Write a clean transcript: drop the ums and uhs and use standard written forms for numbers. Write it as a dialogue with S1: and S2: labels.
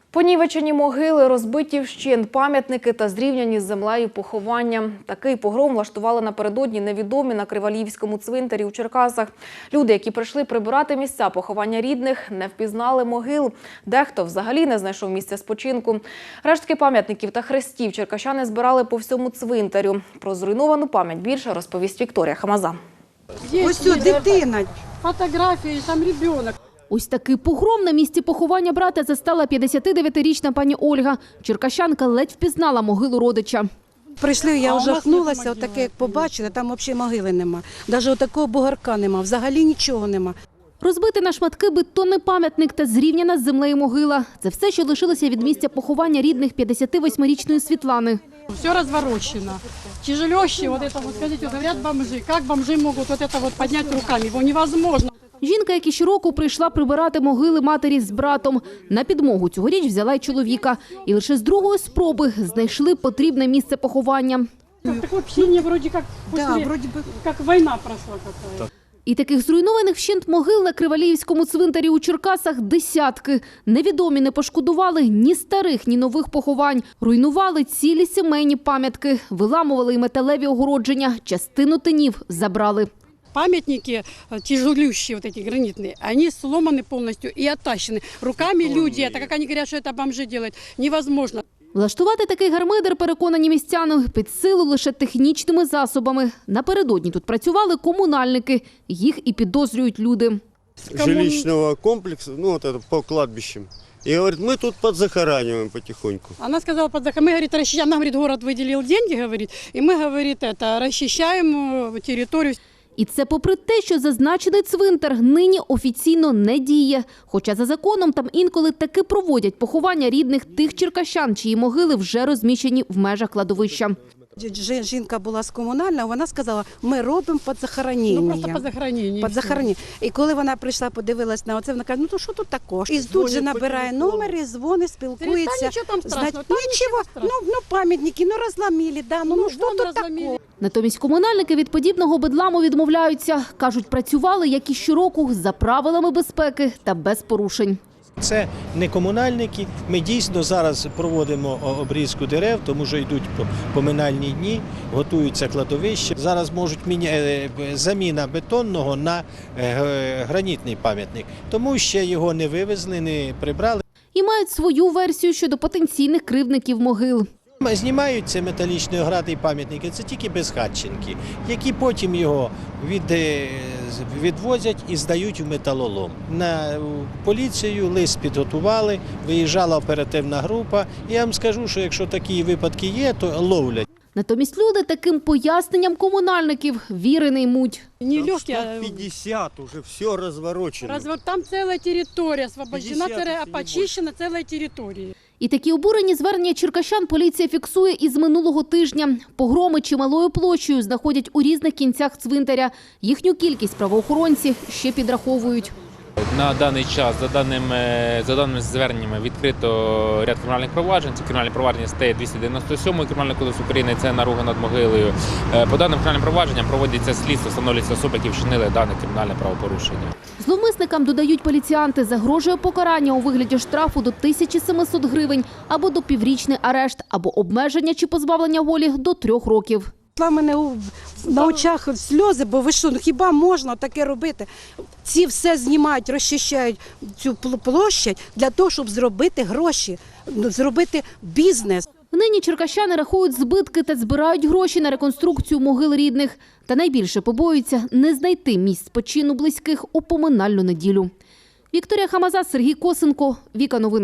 S1: Понівечені могили, розбиті вщент пам'ятники та зрівняні з землею поховання. Такий погром влаштували напередодні невідомі на Кривалівському цвинтарі у Черкасах. Люди, які прийшли прибирати місця поховання рідних, не впізнали могил. Дехто взагалі не знайшов місця спочинку. Рештки пам'ятників та хрестів черкащани збирали по всьому цвинтарю. Про зруйновану пам'ять більше розповість Вікторія Хамаза.
S2: Ось тут дитина.
S3: Фотографії, там дитина.
S4: Ось такий погром на місці поховання брата застала 59-річна пані Ольга. Черкащанка ледь впізнала могилу родича.
S2: Прийшли, я ожахнулася, отаке, як побачила, там взагалі могили нема. Навіть отакого бугарка нема, взагалі нічого нема.
S4: Розбити на шматки бетонний пам'ятник та зрівняна з землею могила. Це все, що лишилося від місця поховання рідних 58-річної Світлани.
S3: Все разворочено. Тяжелющие, вот это вот, скажите, вот говорят бомжи, как бомжи могут вот это вот поднять руками, его невозможно.
S4: Жінка, як і щороку, прийшла прибирати могили матері з братом. На підмогу цьогоріч взяла й чоловіка. І лише з другої спроби знайшли потрібне місце поховання.
S3: Такое ощущение вроде как,
S2: Да, вроде бы.
S3: как война прошла какая-то.
S4: І таких зруйнованих вщент могил на Кривалівському цвинтарі у Черкасах десятки. Невідомі не пошкодували ні старих, ні нових поховань. Руйнували цілі сімейні пам'ятки, виламували й металеві огородження, частину тинів забрали.
S3: Памятники тяжелющие, вот эти гранитные, они сломаны полностью и оттащены. Руками люди, это как они говорят, что это бомжи делают, невозможно.
S4: Влаштувати такий гармидер, переконані містяни, під силу лише технічними засобами. Напередодні тут працювали комунальники. Їх і підозрюють люди.
S5: Жилищного комплексу, ну вот это по кладбищам. И говорит, мы тут подзахораниваем потихоньку.
S3: Она сказала, мы, говорит, расчищаем, она, говорит, город выделил деньги, говорит, и мы, говорит, это, расчищаем территорию.
S4: І це попри те, що зазначений цвинтар нині офіційно не діє. Хоча за законом там інколи таки проводять поховання рідних тих черкащан, чиї могили вже розміщені в межах кладовища.
S2: Жінка була з комунального, вона сказала, ми робимо під захоронення.
S3: Ну, просто під захоронення.
S2: Під захоронення. І коли вона прийшла, подивилась на оце, вона каже, ну то що тут такого? І тут же набирає номер, і дзвонить, спілкується.
S3: Нічого там страшного,
S2: Нічого, ну пам'ятники, ну розламили, да, ну що тут такого?
S4: Натомість комунальники від подібного бедламу відмовляються. Кажуть, працювали, як і щороку, за правилами безпеки та без порушень.
S6: Це не комунальники. Ми дійсно зараз проводимо обрізку дерев, тому що йдуть поминальні дні, готуються кладовища. Зараз можуть заміна бетонного на гранітний пам'ятник. Тому ще його не вивезли, не прибрали.
S4: І мають свою версію щодо потенційних кривдників могил.
S6: Знімаються металічні огради і пам'ятники, це тільки безхатченки, які потім його відвозять і здають в металолом. На поліцію лист підготували, виїжджала оперативна група. Я вам скажу, що якщо такі випадки є, то ловлять.
S4: Натомість люди таким поясненням комунальників віри не ймуть.
S3: Не легкие, а
S5: 50 уже все разворочено.
S3: там целая территория освобождена, почищена целая территория.
S4: І такі обурені звернення черкащан поліція фіксує із минулого тижня. Погроми чималою площею знаходять у різних кінцях цвинтаря. Їхню кількість правоохоронці ще підраховують.
S7: На даний час, за даними зверненнями, відкрито ряд кримінальних проваджень. Це кримінальне провадження статті 297 Кримінального кодексу України, це наруга над могилою. По даним кримінальним провадженням проводиться слідство, встановлюються особи, які вчинили дане кримінальне правопорушення.
S4: Зловмисникам, додають поліціянти, загрожує покарання у вигляді штрафу до 1700 гривень або до піврічний арешт, або обмеження чи позбавлення волі до 3 років.
S2: У мене на очах сльози, бо ви що, ну хіба можна таке робити? Ці все знімають, розчищають цю площадь для того, щоб зробити гроші, зробити бізнес.
S4: Нині черкащани рахують збитки та збирають гроші на реконструкцію могил рідних. Та найбільше побоюються не знайти місць спочину близьких у поминальну неділю. Вікторія Хамаза, Сергій Косенко, Віка Новини.